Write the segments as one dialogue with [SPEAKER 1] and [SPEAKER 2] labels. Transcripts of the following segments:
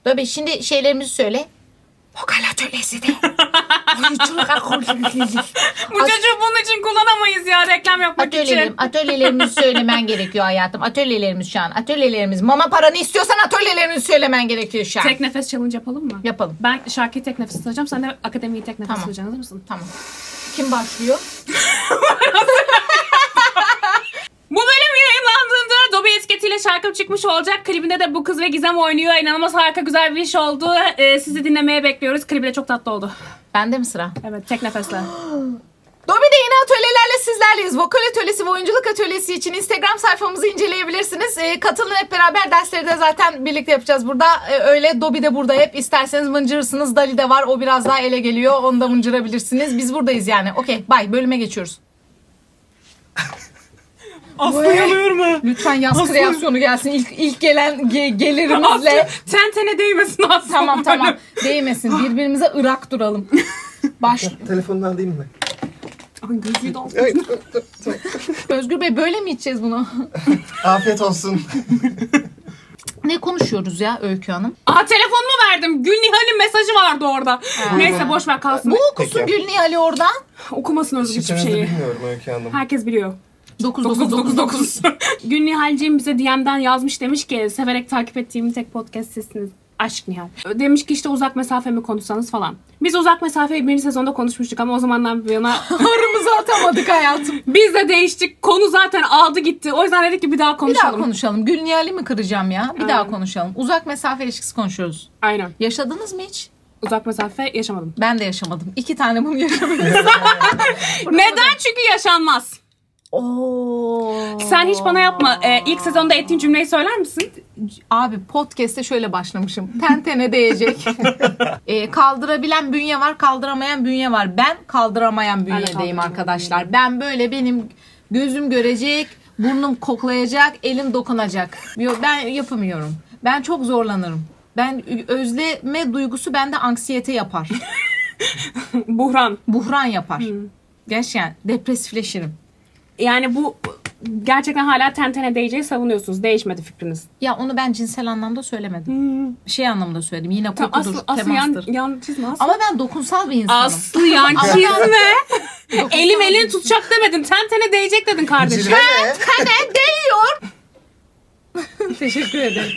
[SPEAKER 1] Tabii şimdi şeylerimizi söyle. Vokal atölyesi de.
[SPEAKER 2] Bu çocuğu bunun için kullanamayız ya, reklam yapmak için.
[SPEAKER 1] Atölyelerimizi söylemen gerekiyor hayatım. Atölyelerimiz şu an. Atölyelerimiz. Mama paranı istiyorsan atölyelerimizi söylemen gerekiyor şu an.
[SPEAKER 2] Tek nefes challenge yapalım mı?
[SPEAKER 1] Yapalım.
[SPEAKER 2] Ben şarkıyı tek nefes tutacağım. Sen de akademiyi tek nefes tutacaksın. Hazır mısın?
[SPEAKER 1] Tamam. Kim başlıyor?
[SPEAKER 2] Bu bölüm yayınlandığında Dobby etiketiyle şarkım çıkmış olacak. Klibinde de bu kız ve Gizem oynuyor. İnanılmaz harika güzel bir iş oldu. Sizi dinlemeye bekliyoruz. Klibi de çok tatlı oldu.
[SPEAKER 1] Bende mi sıra?
[SPEAKER 2] Evet, tek nefesle.
[SPEAKER 1] Dobby'de yeni atölyelerle sizlerleyiz. Vokal atölyesi ve oyunculuk atölyesi için Instagram sayfamızı inceleyebilirsiniz. Katılın, hep beraber dersleri de zaten birlikte yapacağız burada. Öyle Dobby de burada hep. İsterseniz mıncırırsınız. Dali de var. O biraz daha ele geliyor. Onu da mıncırabilirsiniz. Biz buradayız yani. Okey. Bye. Bölüme geçiyoruz.
[SPEAKER 2] Aslı yanıyor mu?
[SPEAKER 1] Lütfen yaz kreasyonu gelsin. İlk gelen gelirimizle.
[SPEAKER 2] Tene değmesin Aslı.
[SPEAKER 1] Tamam. Değmesin. Birbirimize ırak duralım.
[SPEAKER 3] Telefonunu alayım mı?
[SPEAKER 2] Ay, gözlüğü de al.
[SPEAKER 1] Özgür Bey, böyle mi içeceğiz bunu?
[SPEAKER 3] Afiyet olsun.
[SPEAKER 1] Ne konuşuyoruz ya Öykü Hanım?
[SPEAKER 2] Telefonumu verdim. Gülnihal'in mesajı vardı orada. Neyse boş ver kalsın.
[SPEAKER 1] Bu okusun
[SPEAKER 3] Peki.
[SPEAKER 1] Gülnihal'i oradan.
[SPEAKER 2] Okumasın Özgür hiçbir
[SPEAKER 3] Şifrenizi
[SPEAKER 2] şeyi.
[SPEAKER 3] bilmiyorum Öykü Hanım.
[SPEAKER 2] Herkes biliyor.
[SPEAKER 1] 99999.
[SPEAKER 2] Gülnihal'ciğim bize DM'den yazmış, demiş ki severek takip ettiğim tek podcast sizsiniz. Aşk Nihal. Demiş ki işte uzak mesafe mi konuşsanız falan. Biz uzak mesafeyi birinci sezonda konuşmuştuk ama o zamandan bir yana
[SPEAKER 1] Arımızı atamadık hayatım.
[SPEAKER 2] biz de değiştik. Konu zaten aldı gitti. O yüzden dedik ki bir daha
[SPEAKER 1] Bir
[SPEAKER 2] konuşalım.
[SPEAKER 1] daha konuşalım. Gülnihal'i mi kıracağım ya? Bir daha
[SPEAKER 2] Aynen.
[SPEAKER 1] konuşalım. Uzak mesafe ilişkisi konuşuyoruz.
[SPEAKER 2] Aynen.
[SPEAKER 1] Yaşadınız mı hiç?
[SPEAKER 2] Uzak mesafe yaşamadım.
[SPEAKER 1] Ben de yaşamadım. 2 tane bunu yaşamadım.
[SPEAKER 2] Neden? Çünkü yaşanmaz.
[SPEAKER 1] Oo.
[SPEAKER 2] Sen hiç bana yapma. İlk sezonda ettiğin cümleyi söyler misin?
[SPEAKER 1] Abi podcast'te şöyle başlamışım. Tene değecek. Kaldırabilen bünye var, kaldıramayan bünye var. Ben kaldıramayan bünyedeyim
[SPEAKER 2] kaldıramayan
[SPEAKER 1] arkadaşlar. Ben böyle, benim gözüm görecek, burnum koklayacak, elim dokunacak. Ben yapamıyorum. Ben çok zorlanırım. Ben özleme duygusu bende anksiyete yapar.
[SPEAKER 2] Buhran.
[SPEAKER 1] Buhran yapar. Gerçekten depresifleşirim.
[SPEAKER 2] Yani bu gerçekten hala tene değeceği savunuyorsunuz. Değişmedi fikriniz.
[SPEAKER 1] Ya onu ben cinsel anlamda söylemedim. Şey anlamda söyledim. Yine
[SPEAKER 2] Tamam,
[SPEAKER 1] kokudur,
[SPEAKER 2] Aslı
[SPEAKER 1] temastır.
[SPEAKER 2] yan çizme Aslı.
[SPEAKER 1] Ama ben dokunsal bir insanım.
[SPEAKER 2] Aslı yan
[SPEAKER 1] Ama
[SPEAKER 2] çizme. Elim elini tutacak demedin. Tene değecek dedin kardeşim.
[SPEAKER 3] Cilve ne?
[SPEAKER 1] Tene değiyor. Teşekkür ederim.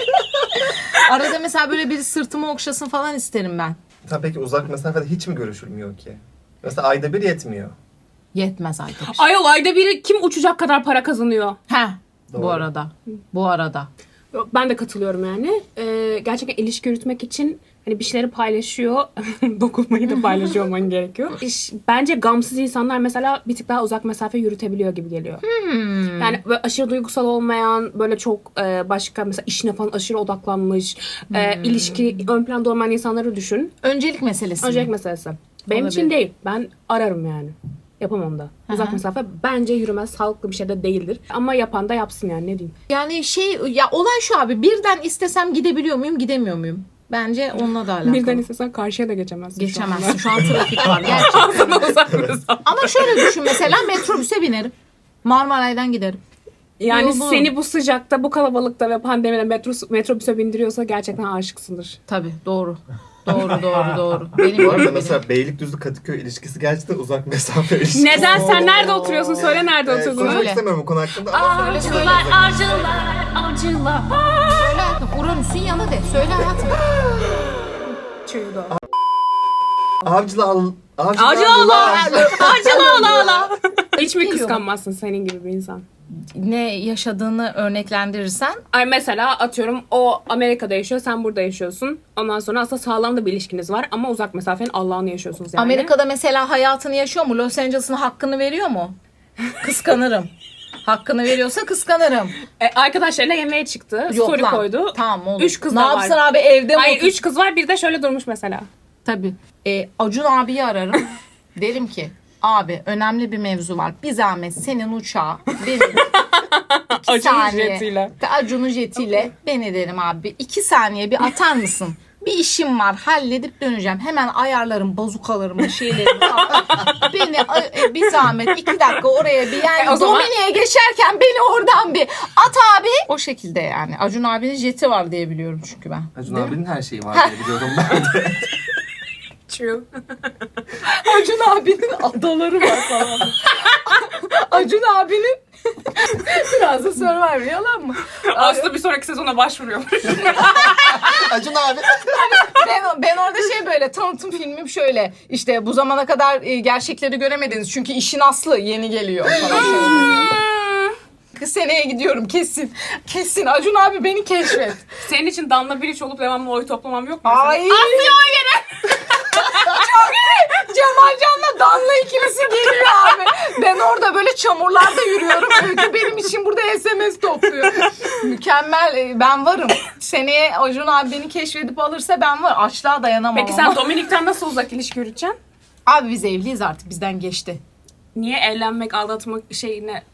[SPEAKER 1] Arada mesela böyle biri sırtımı okşasın falan isterim ben.
[SPEAKER 3] Tabii peki uzak mesafede hiç mi görüşülmüyor ki? Mesela ayda bir yetmiyor.
[SPEAKER 1] Yetmez arkadaş.
[SPEAKER 2] Ayol ayda biri kim uçacak kadar para kazanıyor?
[SPEAKER 1] He. Bu
[SPEAKER 3] Doğru.
[SPEAKER 1] arada.
[SPEAKER 2] Ben de katılıyorum yani. Gerçekten ilişki yürütmek için hani bir şeyleri paylaşıyor. Dokunmayı da paylaşıyor olman gerekiyor. Bence gamsız insanlar mesela bir tık daha uzak mesafe yürütebiliyor gibi geliyor. Yani böyle aşırı duygusal olmayan, böyle çok başka mesela işine falan aşırı odaklanmış, ilişki ön planda olmayan insanları düşün.
[SPEAKER 1] Öncelik meselesi.
[SPEAKER 2] Öncelik meselesi. Benim için
[SPEAKER 1] Olabilir.
[SPEAKER 2] değil. Ben ararım yani. Yapamam da. Uzak
[SPEAKER 1] Aha.
[SPEAKER 2] mesafe bence yürümez. Sağlıklı bir şey de değildir. Ama yapan da yapsın yani, ne diyeyim.
[SPEAKER 1] Yani ya olay şu abi, birden istesem gidebiliyor muyum, gidemiyor muyum? Bence onunla da alakalı.
[SPEAKER 2] Birden istesen karşıya da geçemezsin.
[SPEAKER 1] Geçemezsin. Şu an trafik var gerçekten.
[SPEAKER 2] Sana uzak mesafe.
[SPEAKER 1] Ama şöyle düşün, mesela metrobüse binerim. Marmaray'dan giderim.
[SPEAKER 2] Yani
[SPEAKER 1] Yolunu-
[SPEAKER 2] seni bu sıcakta, bu kalabalıkta ve pandemide metrobüse bindiriyorsa gerçekten aşıksındır.
[SPEAKER 1] Tabii doğru. Doğru. Benim
[SPEAKER 3] Bu arada
[SPEAKER 1] öyle
[SPEAKER 3] mesela Beylikdüzü Kadıköy ilişkisi gerçekten uzak mesafe ilişkisi.
[SPEAKER 2] Neden? Sen nerede oturuyorsun? Söyle nerede oturduğunu.
[SPEAKER 3] Konuşmak
[SPEAKER 1] Öyle.
[SPEAKER 3] istemiyorum bu konu hakkında ama
[SPEAKER 2] Acılar.
[SPEAKER 1] Söyle hayatım. Uranüs'ün yanı de. Söyle hayatım.
[SPEAKER 3] Avcılar
[SPEAKER 2] Hiç mi
[SPEAKER 1] Geliyorum.
[SPEAKER 2] kıskanmazsın senin gibi bir insan?
[SPEAKER 1] Ne yaşadığını örneklendirirsen.
[SPEAKER 2] Ay mesela atıyorum o Amerika'da yaşıyor, sen burada yaşıyorsun. Ondan sonra aslında sağlam da bir ilişkiniz var ama uzak mesafenin Allah'ını yaşıyorsunuz yani.
[SPEAKER 1] Amerika'da mesela hayatını yaşıyor mu? Los Angeles'ın hakkını veriyor mu? Kıskanırım. Hakkını veriyorsa kıskanırım.
[SPEAKER 2] Arkadaşlarıyla yemeğe çıktı.
[SPEAKER 1] Yok
[SPEAKER 2] Story
[SPEAKER 1] lan.
[SPEAKER 2] koydu.
[SPEAKER 1] Tamam olur.
[SPEAKER 2] 3 kız
[SPEAKER 1] ne
[SPEAKER 2] da var.
[SPEAKER 1] yapsın abi, evde mi?
[SPEAKER 2] Hayır
[SPEAKER 1] otur-
[SPEAKER 2] 3 kız var, bir de şöyle durmuş mesela.
[SPEAKER 1] Tabii. Acun abiyi ararım. Derim ki abi önemli bir mevzu var. Bir zahmet senin uçağa benim
[SPEAKER 2] Acun'un jetiyle.
[SPEAKER 1] Acun'un jetiyle beni derim abi. 2 saniye bir atar mısın? Bir işim var, halledip döneceğim. Hemen ayarlarım bazukalarımı, şeylerimi falan. Beni bir zahmet 2 dakika oraya bir yani
[SPEAKER 2] o zaman-
[SPEAKER 1] Dominik'e geçerken beni oradan bir at abi. O şekilde yani. Acun abinin jeti var diye biliyorum çünkü ben.
[SPEAKER 3] Acun
[SPEAKER 1] Değil mi?
[SPEAKER 3] abinin her şeyi var diye biliyorum ben de.
[SPEAKER 2] True.
[SPEAKER 1] Acun abinin adaları var falan. Acun abinin biraz da Survivor yalan mı?
[SPEAKER 2] Aslında bir sonraki sezona başvuruyormuş.
[SPEAKER 3] Acun abi.
[SPEAKER 1] Ben orada şey böyle tanıtım filmim şöyle işte bu zamana kadar gerçekleri göremediniz çünkü işin aslı yeni geliyor falan. Şöyle. Seneye gidiyorum kesin. Kesin Acun abi beni keşfet.
[SPEAKER 2] Senin için Danla Bilic olup devamlı oy toplamam yok mu?
[SPEAKER 1] Ay. Aslı o yere. Çok iyi. Cemal Can'la Danla ikilisi geliyor abi. Ben orada böyle çamurlarda yürüyorum. Öykü benim için burada SMS topluyor. Mükemmel. Ben varım. Seneye Acun abi beni keşfedip alırsa ben var. Açlığa dayanamam
[SPEAKER 2] Peki
[SPEAKER 1] ama.
[SPEAKER 2] sen Dominik'ten nasıl uzak ilişki yürüteceksin?
[SPEAKER 1] Abi biz evliyiz artık. Bizden geçti.
[SPEAKER 2] Niye evlenmek, aldatmak şeyine...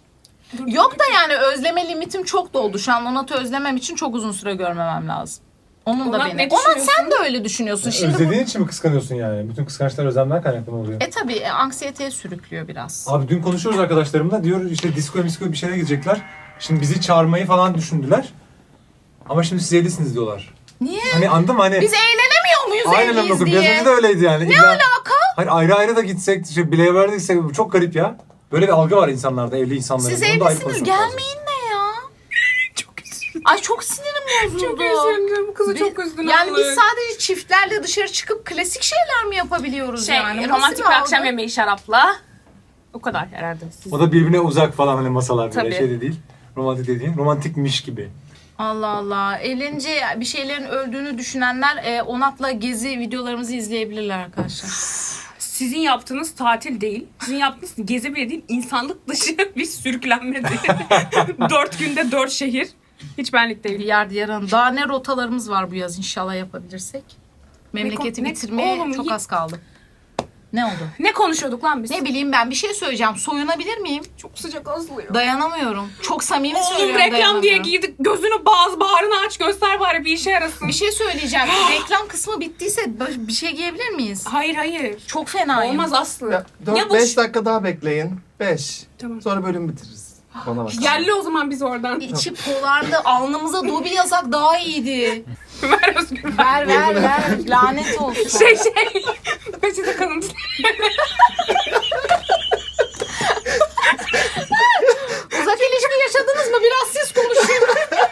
[SPEAKER 1] Yok da yani özleme limitim çok doldu. Şu an Onat'ı özlemem için çok uzun süre görmemem lazım. Onun da
[SPEAKER 2] Onat
[SPEAKER 1] beni.
[SPEAKER 2] ne
[SPEAKER 1] Onat sen
[SPEAKER 2] düşünüyorsun?
[SPEAKER 1] de öyle düşünüyorsun. Şimdi bu...
[SPEAKER 4] Özlediğin için mi kıskanıyorsun yani? Bütün kıskançlar özlemden kaynaklı mı oluyor?
[SPEAKER 1] Tabii anksiyeteye sürüklüyor biraz.
[SPEAKER 4] Abi dün konuşuyoruz arkadaşlarımla. Diyor işte diskoya bir şeylere gidecekler. Şimdi bizi çağırmayı falan düşündüler. Ama şimdi siz evlisiniz diyorlar.
[SPEAKER 1] Niye?
[SPEAKER 4] Hani anladın mı? Hani
[SPEAKER 1] Biz eğlenemiyor muyuz
[SPEAKER 4] aynen
[SPEAKER 1] evliyiz
[SPEAKER 4] öyle. Biraz
[SPEAKER 1] diye?
[SPEAKER 4] önce de öyleydi yani.
[SPEAKER 1] Ne alaka?
[SPEAKER 4] Hayır ayrı ayrı da gitsek, işte bileğe de gitsek bu çok garip ya. Böyle bir algı var insanlarda, evli insanların.
[SPEAKER 1] Siz
[SPEAKER 4] Bunu da ayrı
[SPEAKER 1] evlisiniz
[SPEAKER 4] konuşmak lazım.
[SPEAKER 1] gelmeyin ne ya?
[SPEAKER 2] Çok üzüldüm.
[SPEAKER 1] Ay çok sinirim bozuldu.
[SPEAKER 2] Çok üzüldüm. Bu kızı
[SPEAKER 1] Biz-
[SPEAKER 2] çok üzdün.
[SPEAKER 1] Yani biz
[SPEAKER 2] Allah'ım.
[SPEAKER 1] sadece çiftlerle dışarı çıkıp klasik şeyler mi yapabiliyoruz yani? Nasıl
[SPEAKER 2] romantik bir
[SPEAKER 1] algı?
[SPEAKER 2] akşam yemeği şarapla. O kadar herhalde. Siz...
[SPEAKER 4] O da birbirine uzak falan hani masalar böyle
[SPEAKER 2] Tabii.
[SPEAKER 4] şey de değil. Romantik dediğin romantikmiş gibi.
[SPEAKER 1] Allah Allah. Eğlence bir şeylerin öldüğünü düşünenler Onat'la gezi videolarımızı izleyebilirler arkadaşlar.
[SPEAKER 2] Sizin yaptığınız tatil değil. Sizin yaptığınız gezi bile değil. İnsanlık dışı bir sürüklenme değil. 4 günde 4 şehir. Hiç benlik değil.
[SPEAKER 1] Diyar diyarın. Daha ne rotalarımız var bu yaz inşallah yapabilirsek. Memleketi
[SPEAKER 2] Ne-
[SPEAKER 1] bitirmeye
[SPEAKER 2] oğlum,
[SPEAKER 1] çok az kaldı. Ne oldu?
[SPEAKER 2] Ne konuşuyorduk lan biz?
[SPEAKER 1] Ne bileyim ben bir şey söyleyeceğim. Soyunabilir miyim?
[SPEAKER 2] Çok sıcak azlıyor.
[SPEAKER 1] Dayanamıyorum. Çok samimi
[SPEAKER 2] Oğlum
[SPEAKER 1] söylüyorum.
[SPEAKER 2] reklam diye
[SPEAKER 1] dayanamıyorum.
[SPEAKER 2] giydik. Gözünü bağrını aç göster bari bir işe yarasın.
[SPEAKER 1] Bir şey söyleyeceğim. Reklam kısmı bittiyse bir şey giyebilir miyiz?
[SPEAKER 2] Hayır.
[SPEAKER 1] Çok fenayım.
[SPEAKER 2] Olmaz Aslı. Ya bu
[SPEAKER 3] 4-5 dakika daha bekleyin. 5.
[SPEAKER 2] Tamam.
[SPEAKER 3] Sonra bölüm bitiririz. Bana bak.
[SPEAKER 2] Yerli o zaman biz oradan.
[SPEAKER 1] İçi polardı. Alnımıza Dobi yazak daha iyiydi.
[SPEAKER 2] Ver Özgür.
[SPEAKER 1] Ver. Lanet olsun.
[SPEAKER 2] Şey. Peçete kalıntısı.
[SPEAKER 1] Uzak ilişki yaşadınız mı? Biraz siz konuşun.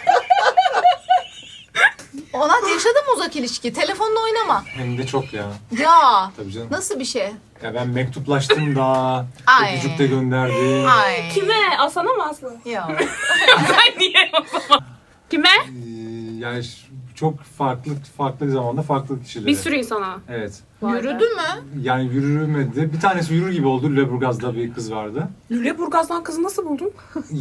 [SPEAKER 1] Onat yaşadın mı uzak ilişki? Telefonla oynama.
[SPEAKER 4] Hem de çok ya.
[SPEAKER 1] Ya.
[SPEAKER 4] Tabii canım.
[SPEAKER 1] Nasıl bir şey?
[SPEAKER 4] Ya ben mektuplaştım da,
[SPEAKER 1] Ay.
[SPEAKER 4] öpücük de gönderdim.
[SPEAKER 1] Ay.
[SPEAKER 2] Kime? Aslan'a mı Aslı?
[SPEAKER 1] Ya.
[SPEAKER 2] Ben niye o zaman? Kime?
[SPEAKER 4] Yani çok farklı zamanda farklı kişilere.
[SPEAKER 2] Bir sürü insana.
[SPEAKER 4] Evet.
[SPEAKER 1] Yürüdü mü?
[SPEAKER 4] Yani yürümedi. Bir tanesi yürür gibi oldu. Lüleburgaz'da bir kız vardı.
[SPEAKER 2] Lüleburgaz'dan kızı nasıl buldun?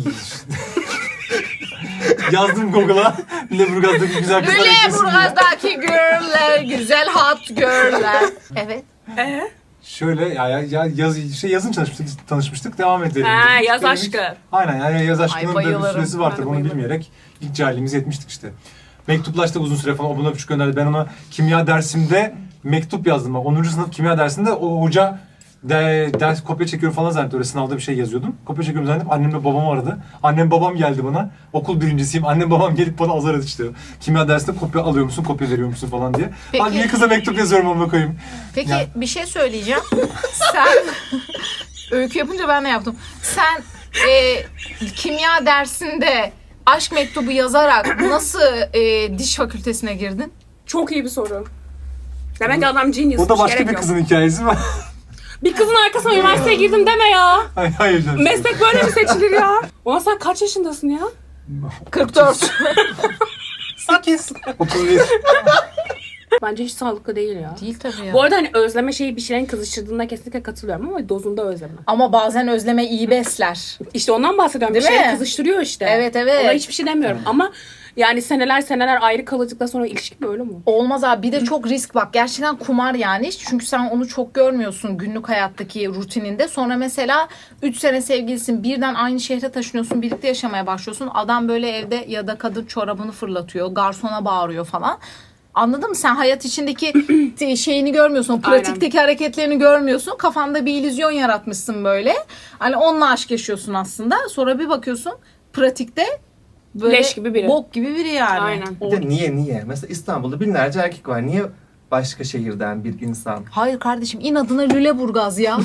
[SPEAKER 4] Yazdım Google'a. Lüleburgaz'daki güzel kızlar eklesin diye.
[SPEAKER 1] Lüleburgaz'daki girl'ler, güzel hot girl'ler. Evet.
[SPEAKER 4] Şöyle yazın tanışmıştık devam edelim.
[SPEAKER 2] Ha,
[SPEAKER 4] dedik.
[SPEAKER 2] yaz
[SPEAKER 4] Dedik.
[SPEAKER 2] aşkı.
[SPEAKER 4] Aynen yani yaz aşkının da bir
[SPEAKER 1] bayılırım.
[SPEAKER 4] süresi var
[SPEAKER 2] Ben de
[SPEAKER 4] tabii onu
[SPEAKER 2] bayılırım.
[SPEAKER 4] bilmeyerek ilk cahilliğimizi etmiştik işte. Mektuplaştık uzun süre falan o buna küçük gönderdi. Ben ona kimya dersimde mektup yazdım. 10. sınıf kimya dersinde o hoca ders kopya çekiyorum falan zannetti. Öyle sınavda bir şey yazıyordum. Kopya çekiyorum zannedip annemle babam aradı. Annem babam geldi bana. Okul birincisiyim. Annem babam gelip bana azar etti işte. Kimya dersinde kopya alıyor musun, kopya veriyor musun falan diye.
[SPEAKER 1] Peki.
[SPEAKER 4] Ben niye kıza mektup yazıyorum onu koyayım.
[SPEAKER 1] Peki
[SPEAKER 4] Ya.
[SPEAKER 1] bir şey söyleyeceğim. Sen öykü yapınca ben de yaptım. Sen kimya dersinde aşk mektubu yazarak nasıl diş fakültesine girdin?
[SPEAKER 2] Çok iyi bir soru. Demek ki adam genius.
[SPEAKER 4] O da başka
[SPEAKER 2] gerek
[SPEAKER 4] bir
[SPEAKER 2] yok.
[SPEAKER 4] kızın hikayesi mi?
[SPEAKER 2] Bir kızın arkasına üniversiteye girdim deme ya.
[SPEAKER 4] Hayır canım.
[SPEAKER 2] Meslek böyle mi seçilir ya? Ulan sen kaç yaşındasın ya?
[SPEAKER 1] 44.
[SPEAKER 4] 8. 31.
[SPEAKER 2] Bence hiç sağlıklı değil ya.
[SPEAKER 1] Değil tabii ya.
[SPEAKER 2] Bu arada hani özleme şeyi bir şeylerin kızıştırdığında kesinlikle katılıyorum ama dozunda özleme.
[SPEAKER 1] Ama bazen özleme iyi besler.
[SPEAKER 2] İşte ondan bahsediyorum.
[SPEAKER 1] Değil
[SPEAKER 2] bir şeyleri
[SPEAKER 1] mi?
[SPEAKER 2] kızıştırıyor işte.
[SPEAKER 1] Evet, evet.
[SPEAKER 2] Ona hiçbir şey demiyorum ama yani seneler ayrı kalacaktan sonra ilişki böyle mi?
[SPEAKER 1] Olmaz abi. Bir de çok risk bak. Gerçekten kumar yani. Çünkü sen onu çok görmüyorsun günlük hayattaki rutininde. Sonra mesela 3 sene sevgilisin. Birden aynı şehre taşınıyorsun. Birlikte yaşamaya başlıyorsun. Adam böyle evde ya da kadın çorabını fırlatıyor. Garsona bağırıyor falan. Anladın mı? Sen hayat içindeki şeyini görmüyorsun. O pratikteki hareketlerini görmüyorsun. Kafanda bir illüzyon yaratmışsın böyle. Hani onunla aşk yaşıyorsun aslında. Sonra bir bakıyorsun pratikte böyle
[SPEAKER 2] Leş gibi biri.
[SPEAKER 1] bok gibi biri yani.
[SPEAKER 2] Aynen.
[SPEAKER 3] Bir de niye? Mesela İstanbul'da binlerce erkek var. Niye başka şehirden bir insan?
[SPEAKER 1] Hayır kardeşim inadına Lüleburgaz ya.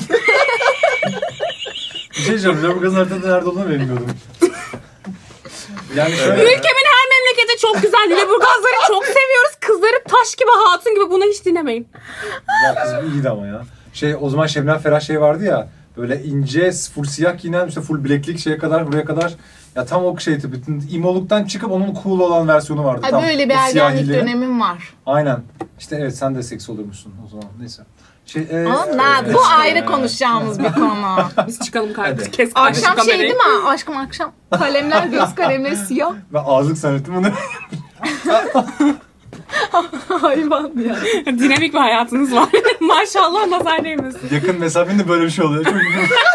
[SPEAKER 4] Bir şey diyeceğim. Lüleburgaz'ın haritada nerede olduğunu bilmiyordum. Yani şöyle.
[SPEAKER 2] Ülkemin her memleketi çok güzel. Lüleburgazları çok seviyoruz. Kızları taş gibi, hatun gibi. Bunu hiç dinlemeyin.
[SPEAKER 4] Ya kız bu iyiydi ama ya. O zaman Şebnem Ferah vardı ya. Böyle ince, full siyah giyinen, işte full bileklik şeye kadar, buraya kadar. Ya tam o şey tipi. İmoluktan çıkıp onun cool olan versiyonu vardı.
[SPEAKER 1] Ha,
[SPEAKER 4] tam
[SPEAKER 1] böyle bir
[SPEAKER 4] o siyah
[SPEAKER 1] ergenlik
[SPEAKER 4] hili.
[SPEAKER 1] dönemim var.
[SPEAKER 4] Aynen. İşte evet sen de seks olurmuşsun o zaman. Neyse.
[SPEAKER 1] Ama bu ayrı konuşacağımız bir konu.
[SPEAKER 2] Biz çıkalım kardeşim.
[SPEAKER 3] Hadi.
[SPEAKER 2] Kes
[SPEAKER 1] Akşam
[SPEAKER 2] kamerayı.
[SPEAKER 1] şey değil mi? Aşkım akşam. Kalemler, göz kalemleri siyah.
[SPEAKER 4] Ben ağızlık zannettim bunu.
[SPEAKER 1] Hayvan ya.
[SPEAKER 2] Dinamik bir hayatınız var. Maşallah nazar değmesin.
[SPEAKER 4] Yakın mesafende böyle bir şey oluyor. Çok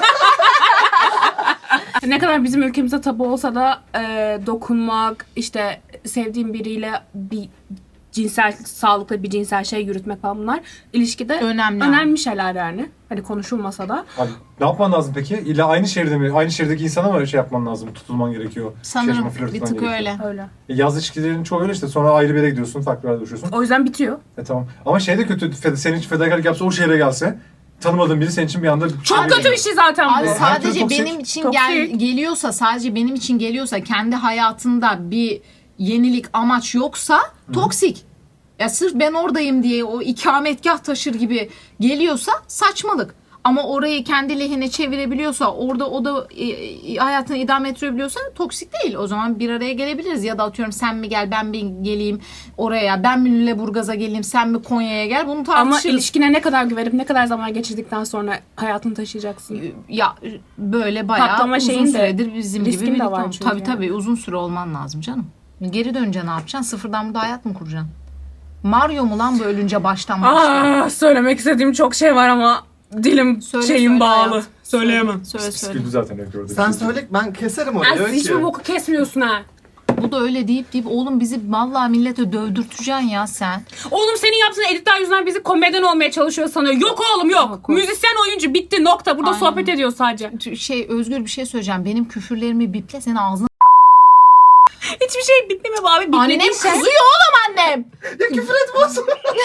[SPEAKER 2] Ne kadar bizim ülkemizde tabu olsa da dokunmak, işte sevdiğim biriyle bir cinsel, sağlıklı bir cinsel şey yürütmek falan bunlar ilişkide
[SPEAKER 1] Önemli.
[SPEAKER 2] önemli şeyler yani. Hani konuşulmasa da.
[SPEAKER 4] Abi ne yapman lazım peki? İlla aynı şehirde mi? Aynı şehirdeki insana mı şey yapman lazım? Tutulman gerekiyor.
[SPEAKER 1] Sanırım
[SPEAKER 4] flört
[SPEAKER 1] bir
[SPEAKER 4] etmen
[SPEAKER 1] tık
[SPEAKER 4] gerekiyor.
[SPEAKER 1] öyle.
[SPEAKER 2] Öyle.
[SPEAKER 4] Yaz ilişkilerinin çoğu öyle işte. Sonra ayrı bir yere gidiyorsun. Farklı bir yerde buluşuyorsun.
[SPEAKER 2] O yüzden bitiyor.
[SPEAKER 4] Tamam. Ama şey de kötü. Senin için fedakarlık yapsa o şehre gelse. Tanımadığın biri senin için bir anda...
[SPEAKER 2] Çok
[SPEAKER 1] Abi-
[SPEAKER 2] kötü bir şey zaten
[SPEAKER 1] Abi
[SPEAKER 2] bu.
[SPEAKER 4] Her türlü
[SPEAKER 1] sadece
[SPEAKER 4] toksik.
[SPEAKER 1] benim için
[SPEAKER 2] Toksik.
[SPEAKER 1] geliyorsa, sadece benim için geliyorsa, kendi hayatında bir yenilik, amaç yoksa toksik. Ya sırf ben oradayım diye o ikametgah taşır gibi geliyorsa saçmalık. Ama orayı kendi lehine çevirebiliyorsa, orada o da hayatını idame ettirebiliyorsa toksik değil. O zaman bir araya gelebiliriz. Ya da atıyorum sen mi gel, ben mi geleyim oraya, ben mi Lüleburgaz'a geleyim, sen mi Konya'ya gel, bunu
[SPEAKER 2] Ama
[SPEAKER 1] tartışırız.
[SPEAKER 2] ilişkine ne kadar güvenip ne kadar zaman geçirdikten sonra hayatını taşıyacaksın.
[SPEAKER 1] Ya böyle bayağı
[SPEAKER 2] Patlama
[SPEAKER 1] uzun
[SPEAKER 2] şeyin de,
[SPEAKER 1] süredir bizim gibi
[SPEAKER 2] riskin de
[SPEAKER 1] birlikte
[SPEAKER 2] var
[SPEAKER 1] ol-
[SPEAKER 2] çünkü
[SPEAKER 1] Tabii
[SPEAKER 2] yani.
[SPEAKER 1] tabii uzun süre olman lazım canım. Geri dönünce ne yapacaksın? Sıfırdan burada hayat mı kuracaksın? Mario mu lan bu ölünce baştan başla?
[SPEAKER 2] Söylemek istediğim çok şey var ama dilim
[SPEAKER 1] Söyle hayat.
[SPEAKER 2] Söyleyemem.
[SPEAKER 1] Söyle.
[SPEAKER 4] Sıkıldı zaten hep gördük.
[SPEAKER 3] Sen söyle ben keserim orayı.
[SPEAKER 2] Ay, hiçbir boku kesmiyorsun ha.
[SPEAKER 1] Bu da öyle deyip oğlum bizi vallahi millete dövdürteceksin ya sen.
[SPEAKER 2] Oğlum senin yaptığın editler yüzünden bizi komedyen olmaya çalışıyor sanıyor. Yok oğlum yok.
[SPEAKER 1] Yok.
[SPEAKER 2] Müzisyen oyuncu bitti nokta. Burada
[SPEAKER 1] Aynen.
[SPEAKER 2] sohbet ediyor sadece.
[SPEAKER 1] Özgür bir şey söyleyeceğim. Benim küfürlerimi biple senin ağzına.
[SPEAKER 2] Hiçbir şey bitlemiyor abi.
[SPEAKER 1] Annem
[SPEAKER 2] Bitlediği şey.
[SPEAKER 1] kızıyor oğlum annem.
[SPEAKER 3] Ya küfür etme olsun.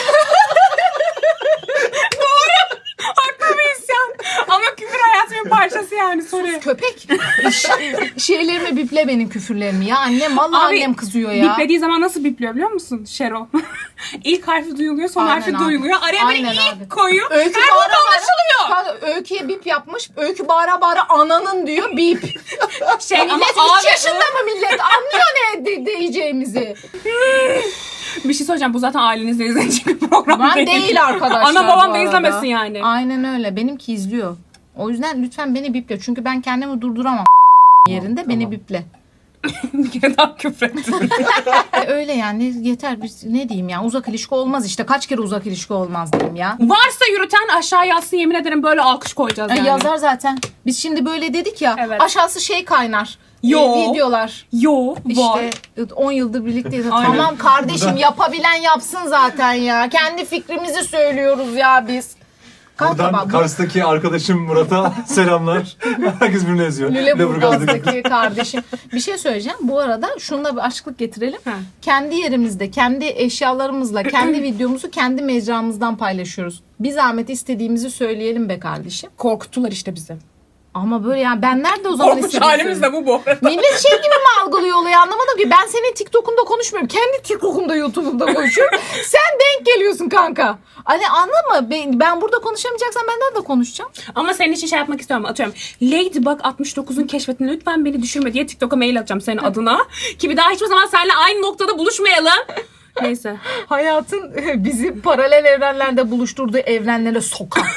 [SPEAKER 2] Haklı bir isyan. Ama küfür hayatımın parçası yani. Sorry.
[SPEAKER 1] Köpek. Şeylerimi biple benim küfürlerimi ya. Annem vallahi
[SPEAKER 2] Abi,
[SPEAKER 1] annem kızıyor ya.
[SPEAKER 2] Biplediği zaman nasıl bipliyor biliyor musun Şero? İlk harfi duyuluyor, son
[SPEAKER 1] Aynen
[SPEAKER 2] harfi
[SPEAKER 1] abi.
[SPEAKER 2] duyuluyor. Araya böyle
[SPEAKER 1] Aynen
[SPEAKER 2] ilk
[SPEAKER 1] abi.
[SPEAKER 2] koyuyor.
[SPEAKER 1] Öykü
[SPEAKER 2] Her
[SPEAKER 1] bağıra
[SPEAKER 2] burada anlaşılıyor.
[SPEAKER 1] bağıra, Öykü'ye bip yapmış. Öykü bağıra bağıra ananın diyor bip.
[SPEAKER 2] Şey ama
[SPEAKER 1] Millet 3
[SPEAKER 2] abi,
[SPEAKER 1] yaşında mı millet? Anlıyor ne diyeceğimizi.
[SPEAKER 2] bir şey söyleyeceğim. Bu zaten ailenizle izleyecek bir program
[SPEAKER 1] Ben değil arkadaşlar.
[SPEAKER 2] Ana
[SPEAKER 1] bu
[SPEAKER 2] babam da
[SPEAKER 1] arada.
[SPEAKER 2] izlemesin yani.
[SPEAKER 1] Aynen öyle. Benimki izliyor. O yüzden lütfen beni biple. Çünkü ben kendimi durduramam yerinde. Beni biple.
[SPEAKER 2] Bir kere daha küfür ettim.
[SPEAKER 1] Öyle yani yeter. Biz ne diyeyim ya, uzak ilişki olmaz işte. Kaç kere uzak ilişki olmaz diyeyim ya.
[SPEAKER 2] Varsa yürüten aşağı yazsın, yemin ederim böyle alkış koyacağız yani.
[SPEAKER 1] Yazar zaten. Biz şimdi böyle dedik ya.
[SPEAKER 2] Evet.
[SPEAKER 1] Aşağısı şey kaynar.
[SPEAKER 2] Yo.
[SPEAKER 1] Videolar.
[SPEAKER 2] Yo var.
[SPEAKER 1] İşte 10 yıldır birlikteyiz.
[SPEAKER 2] Aynen.
[SPEAKER 1] Tamam kardeşim, yapabilen yapsın zaten ya. Kendi fikrimizi söylüyoruz ya biz. Kanka
[SPEAKER 4] Buradan
[SPEAKER 1] bak, bu
[SPEAKER 4] Kars'taki arkadaşım Murat'a selamlar. Herkes birbirini eziyor.
[SPEAKER 1] Lüleburgaz'daki kardeşim. Bir şey söyleyeceğim. Bu arada şununla bir açıklık getirelim.
[SPEAKER 2] Ha.
[SPEAKER 1] Kendi yerimizde, kendi eşyalarımızla, kendi videomuzu kendi mecramızdan paylaşıyoruz. Bir zahmet istediğimizi söyleyelim be kardeşim.
[SPEAKER 2] Korkuttular işte bizi.
[SPEAKER 1] Ama böyle yani ben nerede o zaman
[SPEAKER 2] Korkunç
[SPEAKER 1] istediğimi
[SPEAKER 2] halimiz de bu.
[SPEAKER 1] Millet şey gibi mi algılıyor olayı, anlamadım ki. Ben senin TikTok'unda konuşmuyorum. Kendi TikTok'umda, YouTube'umda konuşuyorum. Sen denk geliyorsun kanka. Hani anladın mı? Ben burada konuşamayacaksan ben nerede konuşacağım?
[SPEAKER 2] Ama senin için şey yapmak istiyorum. Atıyorum Ladybug 69'un keşfetini lütfen beni düşürme diye TikTok'a mail atacağım senin adına. Ki bir daha hiçbir zaman seninle aynı noktada buluşmayalım. Neyse.
[SPEAKER 1] Hayatın bizi paralel evrenlerde buluşturduğu evrenlere sokar.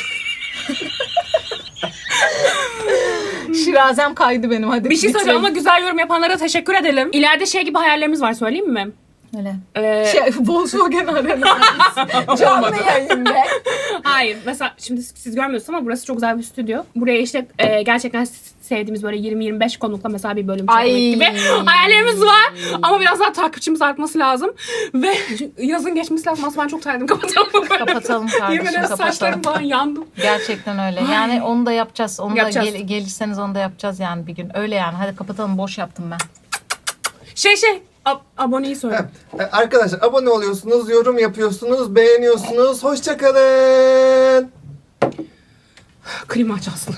[SPEAKER 1] Şirazem kaydı benim, hadi
[SPEAKER 2] Bir şey söyleyeceğim
[SPEAKER 1] bitirelim.
[SPEAKER 2] ama güzel yorum yapanlara teşekkür edelim. İleride şey gibi hayallerimiz var, söyleyeyim mi?
[SPEAKER 1] Öyle.
[SPEAKER 2] Ee,
[SPEAKER 1] Volkswagen Arena. Canlı yayında.
[SPEAKER 2] Hayır. Mesela şimdi siz görmüyorsunuz ama burası çok güzel bir stüdyo. Buraya işte gerçekten sevdiğimiz böyle 20-25 konukla mesela bir bölüm çekmek gibi hayallerimiz var. Ama biraz daha takipçimiz artması lazım. Ve yazın geçmesi lazım. Aslında ben çok terledim. Kapatalım.
[SPEAKER 1] Kapatalım kardeşim,
[SPEAKER 2] Yemin ederim
[SPEAKER 1] kapatalım.
[SPEAKER 2] saçlarım falan yandım.
[SPEAKER 1] Gerçekten öyle. Yani onu da yapacağız. Onu
[SPEAKER 2] Yapacağız.
[SPEAKER 1] da gelirseniz onu da yapacağız yani bir gün. Öyle yani. Hadi kapatalım. Boş yaptım ben.
[SPEAKER 2] Aboneyi söyle.
[SPEAKER 3] Arkadaşlar abone oluyorsunuz, yorum yapıyorsunuz, beğeniyorsunuz. Hoşça kalın.
[SPEAKER 2] Klima aç Aslı.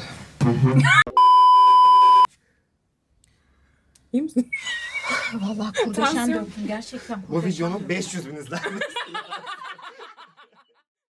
[SPEAKER 2] İyi misin?
[SPEAKER 1] Vallahi kurdeşen
[SPEAKER 2] Tansiyon.
[SPEAKER 1] döktüm gerçekten.
[SPEAKER 3] Bu videonun 500 bin izlenmesi.